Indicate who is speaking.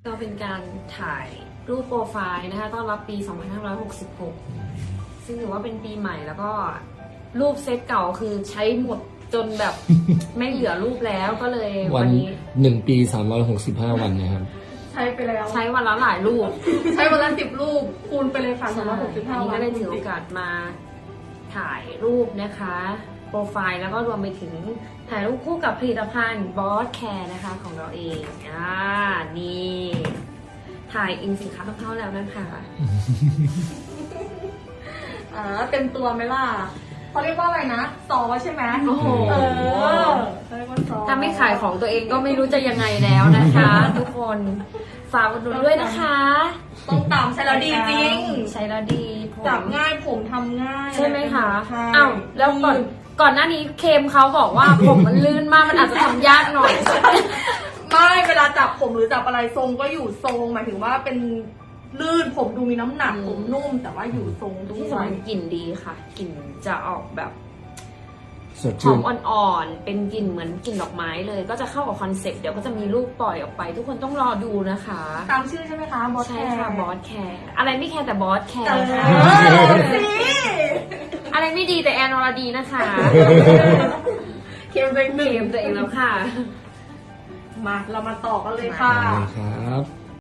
Speaker 1: ก็เป็นการถ่ายรูปโปรไฟล์นะคะต้อนรับปี 2566 ซึ่งถือว่าเป็นปีใหม่แล้วก็รูปเซตเก่าคือใช้หมดจนแบบ ไม่เหลือรูปแล้วก็เลยวันนี้
Speaker 2: 1 ปี365 วันนะครับ
Speaker 3: ใช้ไปแล้ว
Speaker 1: ใช้วันละหลายรูป
Speaker 3: ใช้วันละ10 รูปคูณไปเลยค่ะ365
Speaker 1: วันนี้
Speaker 3: วัน
Speaker 1: ก็ได้ถือโอกาสมาถ่ายรูปนะคะโปรไฟล์แล้วก็รวมไปถึงถ่ายรูปคู่กับผลิตภัณฑ์ Boss Care นะคะของเราเองนี่ถ่ายอิงสินค้าของเขาแล้วนะคะ
Speaker 3: เต็มตัวไหมล่ะเขาเรียกว่าอะไรนะซอใช่ไหม
Speaker 1: โอ้โห
Speaker 3: เขาเรียกว่าซอ
Speaker 1: ถ้าไม่ขายของตัวเองก็ไม่รู้จะยังไงแล้วนะคะ ทุกคนฝากอุดหนุนด้วยนะคะ
Speaker 3: ต้องตามใช้แล้วดีจริง
Speaker 1: ใช้แล้วดีผม
Speaker 3: จับง่ายผมทำง่าย
Speaker 1: ใช่ไหมคะ
Speaker 3: ใช่
Speaker 1: อ้าวแล้วก่อนหน้านี้เคมเขาบอกว่า ผมมันลื่นมากมันอาจจะทำยากหน่อย
Speaker 3: ไม่เวลาจับผมหรือจับอะไรทรงก็อยู่ทรงหมายถึงว่าเป็นลื่นผมดูมีน้ำหนักผมนุ่มแต่ว่าอยู่ทรงด้
Speaker 1: ที่
Speaker 3: ว
Speaker 1: สำ
Speaker 3: ย
Speaker 1: คัญกลิ่นดีค่ะกลิ่นจะออกแบบ
Speaker 2: สด
Speaker 1: หอ
Speaker 2: ชื่น
Speaker 1: มอ่อนๆเป็นกลิ่นเหมือนกลิ่นดอกไม้เลย ก็จะเข้ากับคอนเซ็ปต์เดี๋ยวก็จะมีรูปปล่อยออกไป ทุกคนต้องรอดูนะคะ
Speaker 3: ตามชื่อใช่ไหมคะบอส
Speaker 1: ใช่
Speaker 3: แคร์
Speaker 1: ค่ะบอสแคร์อะไรไม่แคร์แต่บอสแค
Speaker 3: เอ
Speaker 1: ร์ค่ะ
Speaker 3: อสิ
Speaker 1: อะไรไม่ดีแต่แอนอรดีนะคะ
Speaker 3: เคมเป็นห
Speaker 1: เก
Speaker 3: นึ่ง
Speaker 1: มตัวเองแล้วค่ะ
Speaker 3: มาเรามาต่อกันเลยค่ะ
Speaker 2: ครับ